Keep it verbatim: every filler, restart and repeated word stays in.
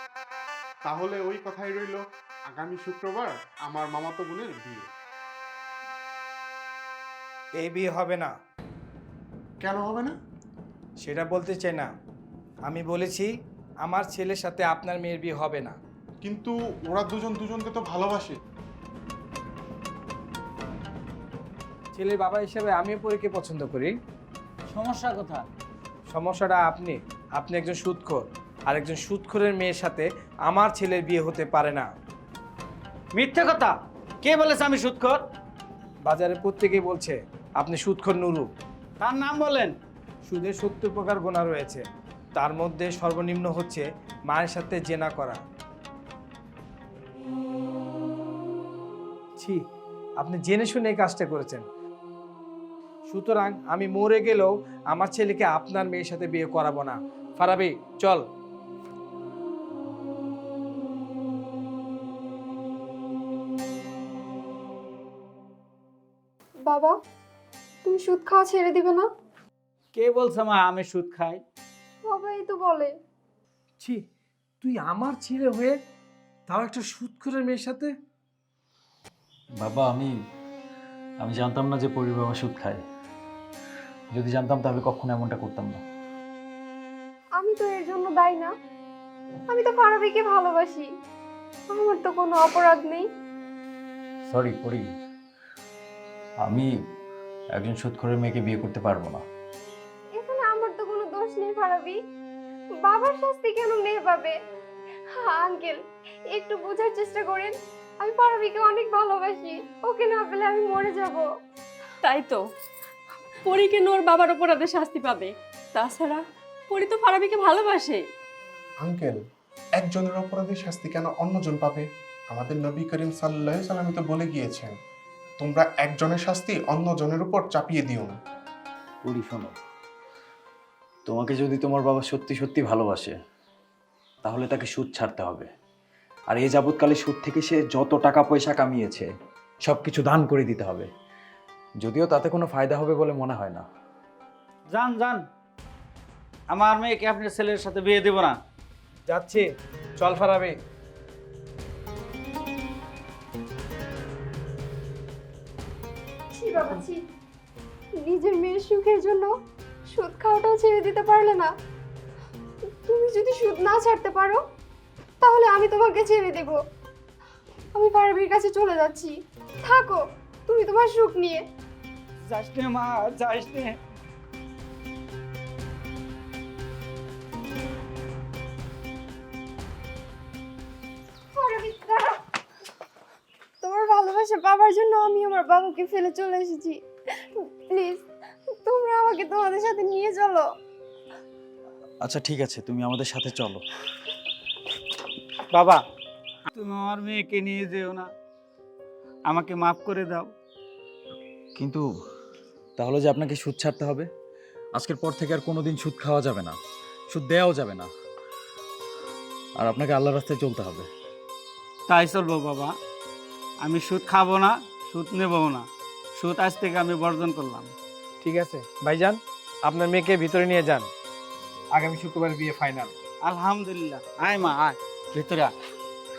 তাহলে ওই কথাই রইল, আগামী শুক্রবার আমার মামাতো বোনের বিয়ে। এই বিয়ে হবে না। কেন হবে না? সেটা বলতে চাই না, আমি বলেছি আমার ছেলের সাথে আপনার মেয়ের বিয়ে হবে না। কিন্তু ওরা দুজন দুজনকে তো ভালোবাসে। ছেলের বাবা হিসেবে আমিও পরীকে পছন্দ করি। সমস্যা কথা? সমস্যাটা আপনি আপনি একজন সুদখোর, আর একজন সুদখোরের মেয়ের সাথে আমার ছেলের বিয়ে হতে পারে না। মিথ্যে কথা! কে বলেছে আমি সুদখোর? বাজারে প্রত্যেকেই বলছে আপনি সুদখোর নুরু। তার নাম বলেন। সুদের সত্তর প্রকার গোনা রয়েছে, তার মধ্যে সর্বনিম্ন হচ্ছে মায়ের সাথে জেনা করা। ছি, আপনি জেনে শুনে এই কাজটা করেছেন। সুতরাং আমি মরে গেলেও আমার ছেলেকে আপনার মেয়ের সাথে বিয়ে করাবো না। ফারাবি, চল। বাবা, তুমি সুদ খাওয়া ছেড়ে দিবে না? কে বলছে মা আমি সুদ খাই? সবাই তো বলে। ছি, তুই আমার ছেলে হয়ে তাও একটা সুদখোরের মেয়ের সাথে। বাবা, আমি আমি জানতাম না যে পরির বাবা সুদ খায়। যদি জানতাম তাহলে কখনো এমনটা করতাম না। আমি তো এর জন্য দায়ী না। আমি তো ফারাবিকে ভালোবাসি, আমার তো কোনো অপরাধ নেই। সরি পরি, আমি একজন সুদখোরের মেয়েকে বিয়ে করতে পারবো না। এখানে আমার তো কোনো দোষ নেই ফারাবি, বাবার শাস্তি কেন মেয়ে পাবে? আঙ্কেল, একটু বোঝার চেষ্টা করেন, আমি ফারাবিকে অনেক ভালোবাসি, ওকে না পেলে আমি মরে যাব। তাই তো, পরি কেন ওর বাবার অপরাধে শাস্তি পাবে? তাছাড়া পরি তো ফারাবিকে ভালোবাসে। আঙ্কেল, একজনের অপরাধের শাস্তি কেন অন্যজন পাবে? আমাদের নবী করিম সাল্লাল্লাহু আলাইহি সাল্লাম তো বলে গিয়েছেন, তোমরা একজনের শাস্তি অন্যজনের উপর চাপিয়ে দিও না। পরি শোনো, তোমাকে যদি তোমার বাবা সত্যি সত্যি ভালোবাসে তাহলে তাকে সুদ ছাড়তে হবে। আর এই যাবৎকালে সুদ থেকে সে যত টাকা পয়সা কামিয়েছে সব কিছু দান করে দিতে হবে। যদিও তাতে কোনো ফায়দা হবে বলে মনে হয় না। যান যান, আমার মেয়েকে আপনার ছেলের সাথে বিয়ে দেব না। যাচ্ছি, চল ফারাবি। ছি বাবা ছি, নিজের মেয়ের সুখের জন্য সুদ খাওয়াটাও ছেড়ে দিতে পারলে না। তুমি যদি সুদ না ছাড়তে পারো তাহলে আমি তোমাকে ছেড়ে দেব। আমি ফারাবির কাছে চলে যাচ্ছি, থাকো তুমি তোমার সুখ নিয়ে। যাস নে মা, যাস নে। ফারাবি, দাঁড়াও। তোমার ভালোবাসা পাবার জন্য আমি আমার বাবাকে ফেলে চলে এসেছি। প্লিজ তোমরা আমাকে তোমাদের সাথে নিয়ে চলো। আচ্ছা ঠিক আছে, তুমি আমাদের সাথে চলো। বাবা, তুমি আমার মেয়েকে নিয়ে যেও না, আমাকে মাফ করে দাও। কিন্তু তাহলে যে আপনাকে সুদ ছাড়তে হবে, আজকের পর থেকে আর কোনোদিন সুদ খাওয়া যাবে না, সুদ দেওয়াও যাবে না, আর আপনাকে আল্লাহর রাস্তায় চলতে হবে। তাই চলবো বাবা, আমি সুদ খাবো না, সুদ নেবও না, সুদ আজ থেকে আমি বর্জন করলাম। ঠিক আছে ভাইজান, আপনার মেয়েকে ভিতরে নিয়ে যান। আগামী শুক্রবার বিয়ে ফাইনাল। আলহামদুলিল্লাহ। আয় মা, আয় ভিতরে আয়।